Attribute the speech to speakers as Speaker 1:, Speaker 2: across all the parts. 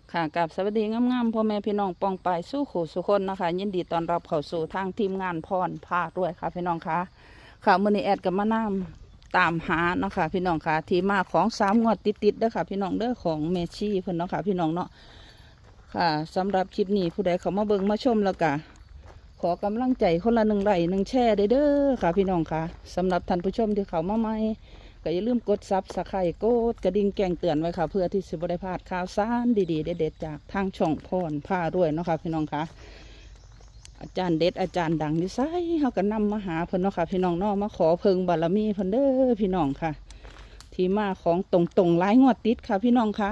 Speaker 1: ค่ะกับสวัสดีงามๆพ่อแม่พี่น้องปองปายสู้ขู่สุคนนะคะยินดีต้อนรับเข้าสู่ทางทีมงานพรพาด้วยค่ะพี่น้องค่ะค่ะมื้อนี้แอดกับมานำตามหาเนาะค่ะพี่น้องค่ะที่มาของ3 งวดติดๆเด้อค่ะพี่น้องเด้อของเมชี่เพิ่นเนาะค่ะพี่น้องเนาะค่ะสำหรับคลิปนี้ผู้ใดเข้ามาเบิ่งมาชมแล้วก็ขอกำลังใจคนละ1 ไลค์1 แชร์เด้อค่ะพี่น้องค่ะสำหรับท่านผู้ชมที่เข้ามาใหม่ก็อย่าลืมกดซับสไครต์กดกระดิ่งแจ้งเตือนไว้ค่ะเพื่อที่จะบ่ได้พลาดข่าวสารดีๆเด็ดๆจากทางช่องพรพาด้วยเนาะค่ะพี่น้องค่ะอาจารย์เด็ดอาจารย์ดังอยู่ไสเขาก็นำมาหาเพิ่นเนาะค่ะพี่น้องเนาะมาขอเพิ่งบารมีเพิ่นเด้อพี่น้องค่ะที่มาของตรงๆหลายงวดติดค่ะพี่น้องค่ะ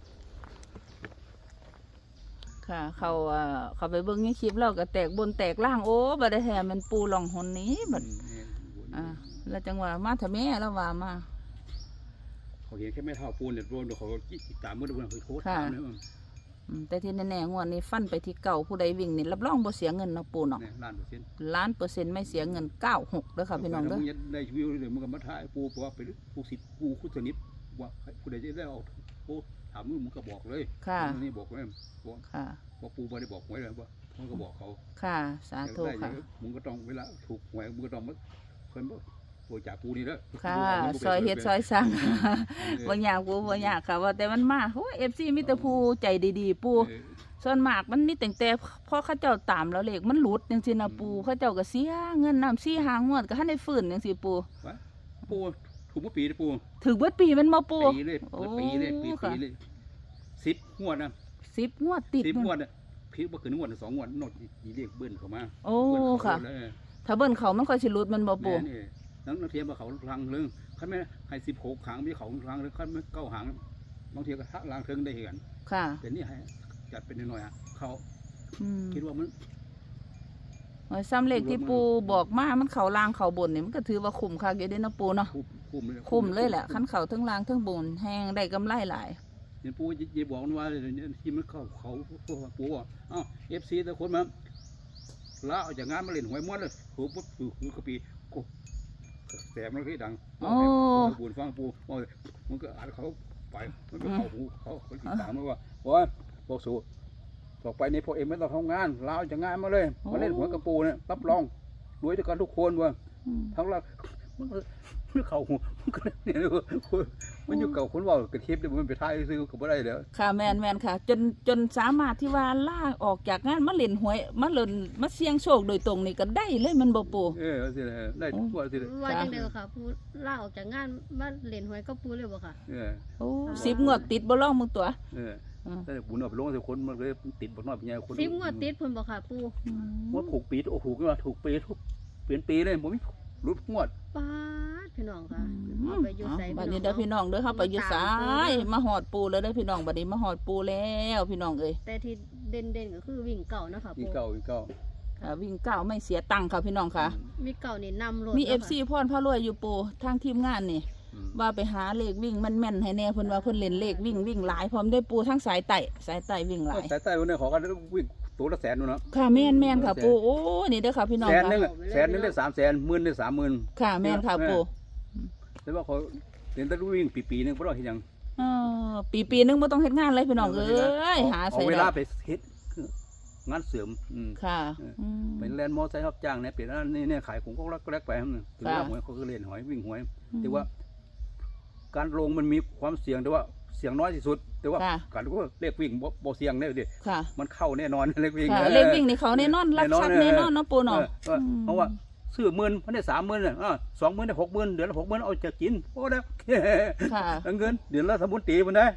Speaker 1: ค่ะเขาไปเบิ่งในคลิปแล้วก็แตกบนแตกล่างโอ้บ่ได้แท้มันปูหลองหนนี้บัดแล้วจังหวะมาเถอะแม่แล้วว่ามา
Speaker 2: เขาเห็นแค่ไม่เท่าปูนเนี่ยรวมเขาตามมือดูเขาโทษตามเลย
Speaker 1: แต่ที่แน่ๆงวดนี้ฟันไปที่เก่าผู้ใดวิ่งนี่รับรองบ่เสียเงินเนาะปูเนาะ1,000,000%ไม่เสียเงิน96เด้อค่ะพี่น้องเด้อ
Speaker 2: ได้ชีวิตเลยมันก็มาถ่ายปูเพราะว่าไปปูสิทธิ์ปูคู่สนิทว่าผู้ใดจะได้เอาปูถามมึงก็บอกเลย
Speaker 1: ค่ะ
Speaker 2: นี่บอกเลย
Speaker 1: ค่ะ
Speaker 2: ว่าปูไม่ได้บอกไว้เลยว่ามันก็บอกเขา
Speaker 1: ค่ะสาธุค่ะ
Speaker 2: มึงก็ต้องเวลาถูกหวยมึงก็ต้องเพิ่นโวยจากปูนี่แล้ว
Speaker 1: ค่ะซอยเฮ็ดซอยสั่งบ่อยากปูบ่อยากค่ะว่าแต่มันมาโอ้ FC มีแต่ผู้ใจดีๆปูส่วนมากมันมีแต่พอเขาเจ้าตามแล้วเลขมันหลุดจังซี่นะปูเขาเจ้าก็เสียเงินนำ4 5 งวดก็ทันได้ฟื้นจังซี่ปู
Speaker 2: ถูกเมื่อปีนะปู
Speaker 1: ถึงเบิดปีมันบ่ปู
Speaker 2: ปีเลยปีเลย10 งวดนะ
Speaker 1: 10 งวดติด
Speaker 2: 10 งวดน่ะพี่บ่คือ1 งวด 2 งวดนดอีเรียกเบิ้นเข้ามา
Speaker 1: โอ้ค่ะถ้าเบิ้นเขามันค่อยสิหลุดมันบ่ปู
Speaker 2: นั่งเทียมกับเขาทางเรื่องคันไม่ให้16 หางมีเขาทางเรื่องคันไม่9 หางบางทีก็ทักลางเทิงได้เห็น
Speaker 1: ค่ะ
Speaker 2: แต่นี่ให้จัดเป็นหน่อยอ่ะเขาคิดว่ามัน
Speaker 1: ซ้ำเลขที่ปูบอกมามันเขาล่างเขาบนนี่มันก็ถือว่าคุ้มค่าอยู่ได้นะปูเนาะคุ้มเลยแหละขั้นเขาทั้งล่างทั้งบนแห้งได้กำไรหลาย
Speaker 2: เนี่ยปูจะบอกว่าที่มันเขาปูว่าอ้าวFC แต่คนมาลาออกจากงานมาเล่นหวยม้วนเลยโหปุ๊บคือกระปีแต่มันก็ดังบุญฟังปูมันก็อ่านเขาไปมันก็เขาหูเขาติดตามมาว่าบอกสูต่อไปในพวกเอ็มไม่ต้องทำงานลาออกจากงานมาเลยมาเล่นหวยกระปูเนี่ยรับรองรวยด้วยกันทุกคนว่ะทั้งเรามันเขาหูเนี่ยมันอยู่เก่าคนว่ากระเทียบเนี่ยมันไปท้ายซื้อก็ไม่ได้แล้ว
Speaker 1: ค่ะแมนค่ะจนสามารถที่ว่าล่าออกจากงานมาเล่นหวยมาเล่นมาเสี่ยงโชคโดยตรงนี่ก็ได้เลยมันบ่ปู
Speaker 2: สิได้ทุกวันสิ
Speaker 3: ว่าจังเดียวค่ะปูล่าออกจากงานมาเล่นหวยก็ปูเลยบ่ค่ะ
Speaker 1: โอ้10 งวดติดบ่ร้องมึงตัว
Speaker 2: แต่บุญเอาไปลงแต่คนมันเลยติดบ่น้อยเป็นไงคน
Speaker 3: 10 งวดติดเพิ่นบ่ค่ะปู
Speaker 2: ว่าถูกปีโอ้โหก็ว่าถูกปีทุกเปลี่ยนปีเลยผมไม่รุดงวด
Speaker 3: ป้าพี่น้องค่ะไปอยู่ไส
Speaker 1: บัดนี้เด้อพี่น้องเด้อเฮาไปอยู่ไสมาฮอดปูแล้วเด้อพี่น้องบัดนี้มาฮอดปูแล้วพี่น้องเอ้ย
Speaker 3: แต่ที่เด่นก็คือวิ่งเก่านะคะปู
Speaker 2: วิ่งเก่า
Speaker 1: วิ่งเก่าไม่เสียตังค์ค่ะพี่น้องค่ะ
Speaker 3: มีเก่านี่นำรถ
Speaker 1: มี FC พรพารวยอยู่ปูทางทีมงานนี่ว่าไปหาเลขวิ่งมันแม่นให้แน่เพิ่นว่าเพิ่นเล่นเลขวิ่งหลายพร้อมได้ปูทั้งสายไต่วิ่งหลาย
Speaker 2: สายไต่วันนี้ขอกันวิ่งตัวละ100,000นู่นเนาะ
Speaker 1: ค่ะแม่นค่ะปูโอ้นี่เด้อค่ะพี่น้อง
Speaker 2: ค่ะ100,000ได้300,000 10,000ได้30,000
Speaker 1: ค่ะแม่นค่ะปู
Speaker 2: แต่ว่าเขาเล่นแต่วิ่งปีนึงบ่ต้องเฮ็ดหยัง
Speaker 1: ปีนึงบ่ต้องเฮ็ดงานเลยพี่น้องเอ้ยหาใส่
Speaker 2: เวลาไปเฮ็ดงานเสริม
Speaker 1: ค่ะ
Speaker 2: เป็นแลนด์มอไซค์รับจ้างเนี่ยเปลี่ยนนี่ขายของก็แลกไปถือว่าหวยเขาก็เล่นหอยวิ่งหวยแต่ว่าการลงมันมีความเสี่ยงแต่ว่าเสี่ยงน้อยที่สุดแต่ว่าการก็เลขวิ่งบ่เสี่ยงแน่ดิมันเข้าแน่นอนเลขวิ่ง
Speaker 1: นี่เขาแน่นอนรักทรัพย์แน่นอนเนาะปูเนาะ
Speaker 2: เพราะว่าซื้อ10,000มันได้30,000น่ะ20,000ได้60,000เดือนละ60,000เอาจะกินพอแล้วเงินเดือนละ30,000ตีมันได้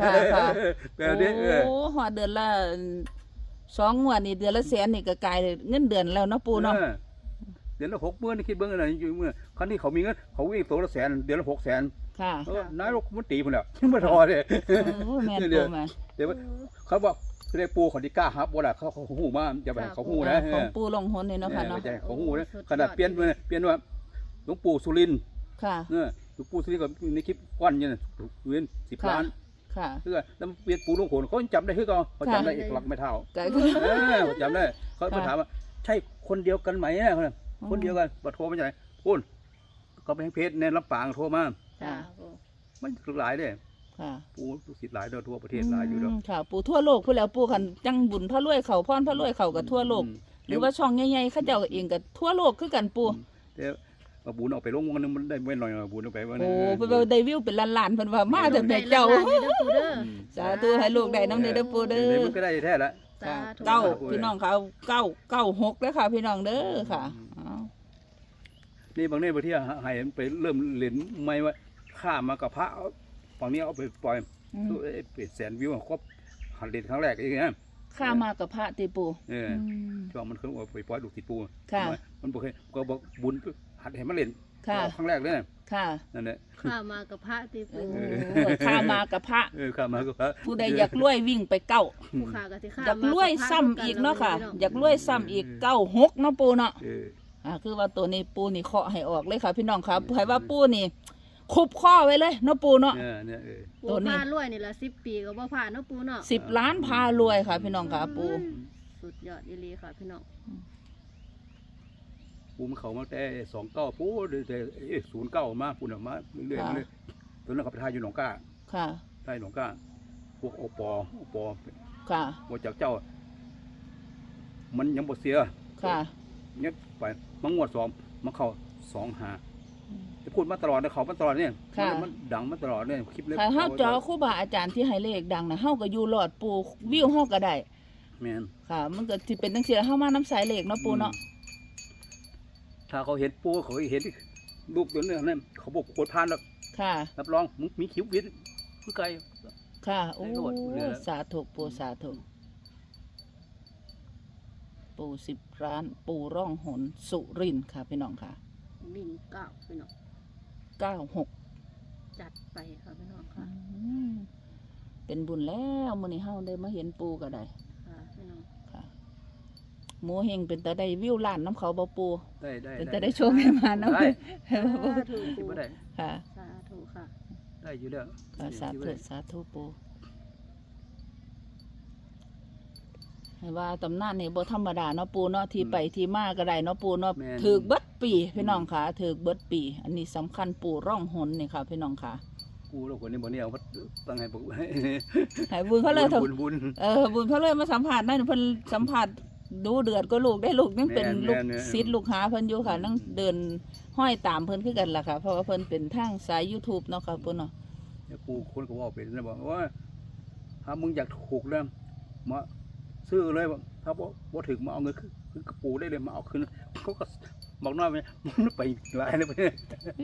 Speaker 1: โอ้หัวเดือนละ2 งวดนี่เดือนละ100,000นี่ก็กลายเงินเดือนแล้วเนาะปูเนาะ
Speaker 2: เดือนละ60,000นี่คิดเบิ่งอะไรอยู่เมื่อคันที่เขามีเงินเขาวิ่งตัวละ100,000เดือนละ600,000
Speaker 1: ค่ะ
Speaker 2: นายกมันตีพุ่นแล้วบ่ทอเด้
Speaker 1: แม่นปูมา
Speaker 2: เดี๋ยวเขาบอกเรียกปูเขาที่กล้าฮับบ่ล่ะเขาฮู้มาอย่าไปเขาฮู้นะ
Speaker 1: ของปูลงหนนี่เนาะค่ะเนาะ
Speaker 2: เขาฮู้นะขนาดเปลี่ยนว่าหลวงปู่สุรินทร์
Speaker 1: ค่ะ
Speaker 2: หลวงปู่สุรินทร์ก็ในคลิปวันเนี่ยเงิน10 ล้าน
Speaker 1: ค่ะ
Speaker 2: แล้วเปลี่ยนปูลงโขนเขาจำได้คือเขาจำได้เอกลักษณ์ไม่เท่าจำได้เขาถามว่าใช่คนเดียวกันไหมเนี่ยคนเดียวกันโทรมาจากไหนพูดก็ไปเพจในลำปางโทรมา
Speaker 3: จ้า
Speaker 2: มันหลายเลย
Speaker 1: ค่ะ
Speaker 2: ปูลูกศิษย์หลายเด้อทั่วประเทศหลายอยู่เด้อ
Speaker 1: ค่ะ ปูทั่วโลกพูดแล้วปูคันจังบุญพระรวยเขาพรพระรวยเขากับทั่วโลก หรือว่าช่องใหญ่ๆเขาเจ้าเองกับทั่วโลกคือกันปู
Speaker 2: แต่ว่าบุญเอาไปลงวันนึงมันได้ไม่น้อยบุญเอาไปวันนึ
Speaker 1: โอ้
Speaker 2: ง
Speaker 1: เพิ่นว่าได้วิวเป็นล้านๆเพิ่นว่ามาแต่แต่เจ้า
Speaker 3: ได้ล้นๆเด้อปูเด้อ
Speaker 1: สาธุให้ลูกได้น้ำเด้อปูเด้
Speaker 2: เดี๋ยว
Speaker 1: อ
Speaker 2: มันก็ได้แท้ละ
Speaker 3: สาธุ
Speaker 1: เก้าพี่น้องเขา996เด้อค่ะพี่น้องเด้อค่ะเอา
Speaker 2: นี่บางเนี่ยบางที่ให้ไปเริ่มเล่นไม่ว่าข้ามมากับพระฝั่งนี้เอาไปปล่อย
Speaker 1: อืม
Speaker 2: เป็นแสนวิวครบหันเล่นครั้งแรกอย่างเงี้ย
Speaker 1: ข้ามากับพระติปู
Speaker 2: อืม
Speaker 1: ม
Speaker 2: ช่วงมันเคยเอาไปปล่อยลูกติดปู
Speaker 1: ค่ะ
Speaker 2: มันบอกเคยก็บอกบุญหัดให้มันเล่น
Speaker 1: ค่ะ
Speaker 2: ครั้งแรกเลยนะ
Speaker 1: ค่ะ
Speaker 2: นั่นแหละ
Speaker 3: ข้ามากับพระติปู
Speaker 1: โอ้ข้ามากับพระ
Speaker 2: ข้ามมากับพระ
Speaker 1: ผู้ใดอยากรวยวิ่งไปเก้า
Speaker 3: ผู้ขาก็สิข้า
Speaker 1: อยากรวยซ้ำอีกเนาะค่ะ อยากรวยซ้ำอีก96เนาะปูเนาะ คือว่าตัวนี้ปูนี่เคาะให้ออกเลยค่ะพี่น้องครับให้ว่าปูนี่คุบข้อไว้เลยเนาะปูเนาะ
Speaker 2: เนี่ย
Speaker 3: ปูพารวยนี่ละ10 ปีก็บ่ผ่านเนาะปูเนาะ
Speaker 1: 10 ล้านพารวยค่ะ พี่น้องค่ะปู
Speaker 3: สุดยอดอีหลีค่ะพี่น้อง
Speaker 2: ปูมันเขามาแต่29ปูแต่09มาปูน่ะมาเรื่อยๆมาเลยตอนนั้นเขาไปทายอยู่หนองก้า
Speaker 1: ค่ะ
Speaker 2: ทายหนองก้าพวกโอปอ
Speaker 1: ค่ะ
Speaker 2: ว่าจากเจ้า มันยังบ่เสีย
Speaker 1: ค่ะ
Speaker 2: เนี่ยไปมังงวด2มันเข้า2-5จะพูดมาตลอดนะเขามาตลอดเนี่ยมันดังมาตลอดเนี่ยคลิปเล็ก
Speaker 1: ถ้าเฮาเจอครูบาอาจารย์ที่ให้เลขดังนะเฮาก็อยู่รอดปูวิวเฮาก็ได้
Speaker 2: แม่น
Speaker 1: ค่ะ มันก็สิเป็นจังซี่เฮามาน้ำสายเลขเนาะปูเนาะ
Speaker 2: ถ้าเขาเห็นปูเขาเห็นรูปตัวนี้นั่นเขาบอกโคตรพานแล้ว
Speaker 1: ค่ะ
Speaker 2: รับรองมึงมีคิ้ววิทย์คือไกล
Speaker 1: ค่ะโอ้
Speaker 2: ได้โลดเหลือ
Speaker 1: สาธุปูสาธุปู10 ล้านปูร่องหนสุรินทร์ค่ะพี่น้องค่ะ
Speaker 3: วิ่งก้าวพี่น้อง
Speaker 1: 96
Speaker 3: จัดไปค่ะพี่น้องค่ะ
Speaker 1: เป็นบุญแล้วมื้อนี้เฮาได้มาเห็นปูก็ได้
Speaker 3: ค่ะพี่น้อง
Speaker 1: ค่ะหมูเฮงเป็นตาได้วิวล้านน้ำเขาบ่ปู
Speaker 2: ได้
Speaker 1: เป็นตาได้โชว์ให้มาน้ำ
Speaker 2: ได้
Speaker 3: สาธุ
Speaker 2: คิด
Speaker 3: ปู
Speaker 2: ว่าได้
Speaker 1: ค่ะ
Speaker 3: สาธุค่ะ
Speaker 2: ได้อยู่แล้ว
Speaker 1: ค่ะสาธุสาธุปูให้ว่าตำนานนี่บ่ธรรมดาเนาะปูเนาะที่ไปที่มาก็ได้เนาะปูเนาะถือเบิดปีพี่น้องค่ะถือเบิดปี อันนี้สำคัญปูร่องหนนี่ค่ะพี่น้องค่ะ
Speaker 2: กูแล้วคนนี้บ่เนี่ยเอาตั้งให้บอก
Speaker 1: ให้บุญเขาเลยเถอะ
Speaker 2: บุญ
Speaker 1: บุญเขาเลยมาสัมผัสนั่นเพิ่นสัมผัสดูเดือดก็ลูกได้ลูกยังเป็นลูกศิษย์ลูกหาเพิ่นอยู่ค่ะนั่งเดินห้อยตามเพิ่นคือกันล่ะค่ะเพราะว่าเพิ่นเป็นทางสาย YouTube เนาะค่ะปูเนาะ
Speaker 2: กูคนก็ว่าเป็นนะบอกว่าถ้ามึงอยากถูกแล้วมาซื้อเลยถ้าบ่ถึงมาเอาเงินคือกระปูได้เลยมาเอาคืนเขาก็บอกน้อยไปมันไปหลายเลยไปเนี่ย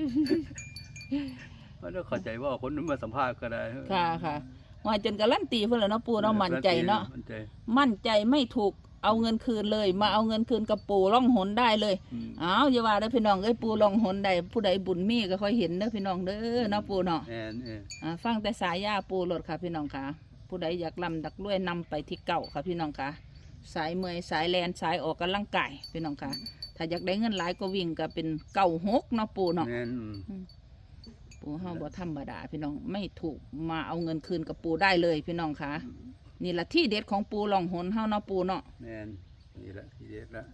Speaker 2: เพราะเราเข้าใจว่าคนนั้นมาสัมภาษณ์ก็ได้
Speaker 1: ค่ะว่าจนการันตีเพิ่นแล้วเนาะปูเนาะมั่นใจเนาะ มั่นใจไม่ถูกเอาเงินคืนเลย มาเอาเงินคืนกับปูร่องหนได้เลยอ้าวอย่าว่าเด้อพี่น้องเอ้ยปูร่องหนได้ผู้ใดบุญมีก็ค่อยเห็นเด้อพี่น้องเด้อเนาะปูเนาะฟังแต่สายยาปูโลดค่ะพี่น้องค่ะผู้ใดอยากลำดักรวยนำไปที่เก่าค่ะพี่น้องค่ะสายเมยสายแลนสายออกกำลังกายพี่น้องค่ะถ้าอยากได้เงินหลายก็วิ่งก็เป็น96เนาะปูเนาะปูเฮาบ่ธรรมดาพี่น้องไม่ถูกมาเอาเงินคืนกับปูได้เลยพี่น้องค่ะนี่ละที่เด็ดของปูร่องหนเฮาเนาะปูเนาะ
Speaker 2: แม่นนี่แหละที่เด็ดละ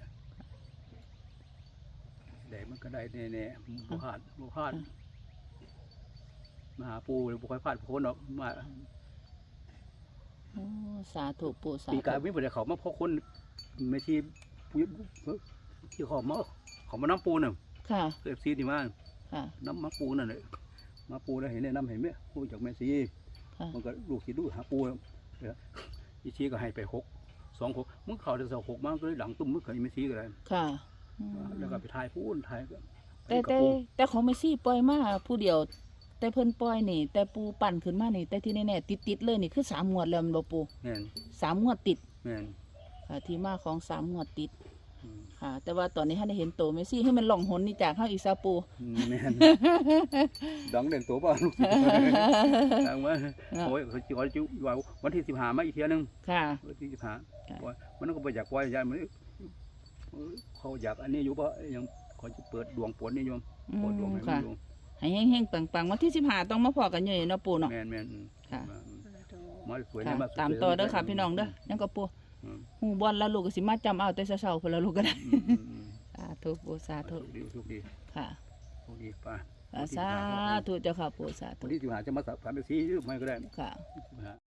Speaker 2: ได้มันก็ได้แน่ๆบ่พลาดมาหาปูเลยบ่ค่อยพลาดคนหรอกมา
Speaker 1: โอ้สาธุปูสา
Speaker 2: ปี
Speaker 1: ธุ
Speaker 2: กายวิ่งไปเขามาเพราะคนไม่ที่ที่เขามาน้ำปูน่ะ
Speaker 1: ค่ะ
Speaker 2: FC ที่มา
Speaker 1: ค่ะ
Speaker 2: น้ำมาปูนั่นแหละมาปูแล้วเห็นเนี่ยน้ำเห็นไหมปูจากแม่ซี
Speaker 1: ค่ะ
Speaker 2: มันก็ลูกศิษย์ลูกหาปูอีชีก็ให้ไป2-6มึงเขาได้6มาก็เลยหลังตุ้มมึงเคยไม่ซีก็ได้
Speaker 1: ค่ะ
Speaker 2: แล้วก็ไปถ่ายปูนถ่ายก็
Speaker 1: แต่ของเมซี่ปล่อยมาผู้เดียว แต่เพิ่นปล่อยนี่ แต่ปูปั่นขึ้นมานี่ แต่ที่แน่ๆติดเลยนี่คือ3 งวดแล้วแม่นบ่ปู
Speaker 2: แม่น
Speaker 1: 3 งวดติด
Speaker 2: แม่น
Speaker 1: ค่ะที่มาของ3 งวดติดค่ะ แต่ว่าตอนนี้ท่านได้เห็นโตเมซี่ให้มันหล่องหนนี่จากเฮาอีกซาปู
Speaker 2: แม่นดังเด่นตัวป่ะลูกศิษย์ดังว่าโอ้ยเขาจะว่าวันที่15มาอีกเที่ยนึง
Speaker 1: ค่ะ
Speaker 2: วันที่15มันก็บ่อยากปล่อยยายมันเขาอยากอันนี้อยู่ป่ะยังเขาจะเปิดดวงปนนี่โยมเปิดดวงให้มันอยู่
Speaker 1: ให้แห้งๆปังๆวันที่15ต้องมาพอกันอยู่นี่เนาะปูเนาะ
Speaker 2: แม่น
Speaker 1: ค่ะ
Speaker 2: มาสวย
Speaker 1: ค่ะ
Speaker 2: มา
Speaker 1: ตามต่อเด้อค่ะพี่น้องเด้อยังก็ปูหูบอลแล้วลูกก็สิมาจำเอาแต่เช้าๆเพิ่นแล้วลูกก็ได้สาธุปูสาธุ
Speaker 2: สุขดี
Speaker 1: ค่ะ
Speaker 2: สุขดีป่ะ
Speaker 1: สาธุเจ้าค่ะปู่สาธุ
Speaker 2: วันที่สิบห้าจะมาสัมภาษณ์สีหรือไม่ก็ได้
Speaker 1: ค่ะ
Speaker 2: 15